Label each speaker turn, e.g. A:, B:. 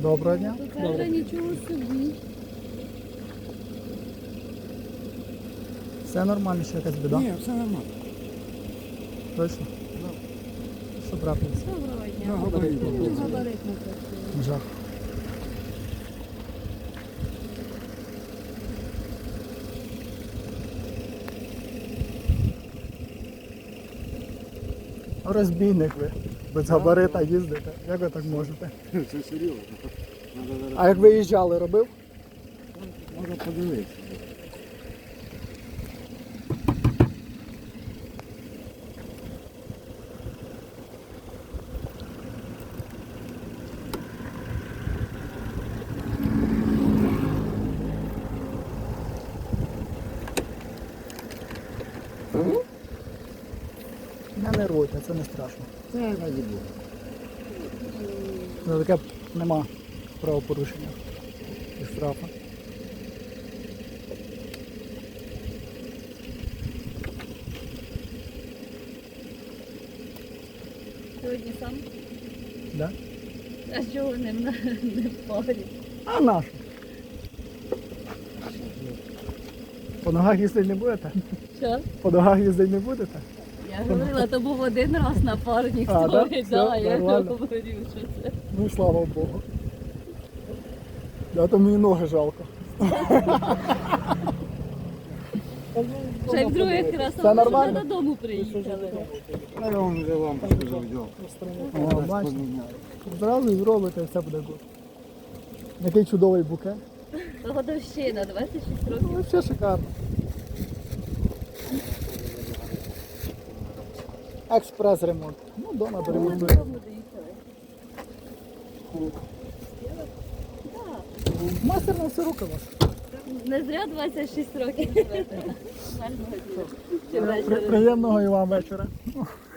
A: Доброго дня.
B: То це вже нічого собі.
A: Все нормально, ще якась біда?
C: Ні, все нормально.
A: Точно? Що трапилось?
B: Доброго дня.
C: На габарит.
B: Габарит не працює.
A: Жах. Розбійник ви. Без габарита їздите. Як ви так можете?
C: Це серйозно. Надо зараз.
A: А як виїжджали, робив?
C: Можна подивитися.
A: Не нервуйте, це не страшно.
C: Це раді Бога.
A: За таке нема правопорушення і штрафу.
B: Сьогодні сам.
A: Да?
B: А чого не в парі?
A: А нашу? По ногах їздити не будете?
B: Що?
A: По ногах їздити не будете?
B: Я говорила, то був один раз напарник
A: А, да?
B: твій,
A: Все,
B: да, я
A: нормально.
B: говорю, що це.
A: Ну слава Богу. Да, то мені ноги жалко.
B: Ще й в других раз,
A: Це
B: а ми вже
A: нормально?
B: додому приїхали.
C: А я вам вже лампочку завдяв.
A: О, бачите. Зразу і зробите, і все буде добре. Який чудовий букет.
B: Годовщина, 26 років.
A: Ну, все шикарно. Експрес-ремонт. Ну, вдома доремонтуємо.
B: Додому доїхали.
A: Мастер на все руки у вас.
B: Не зря 26 років живете. Гарного дня. Чи вечора.
A: Приємного і вам вечора.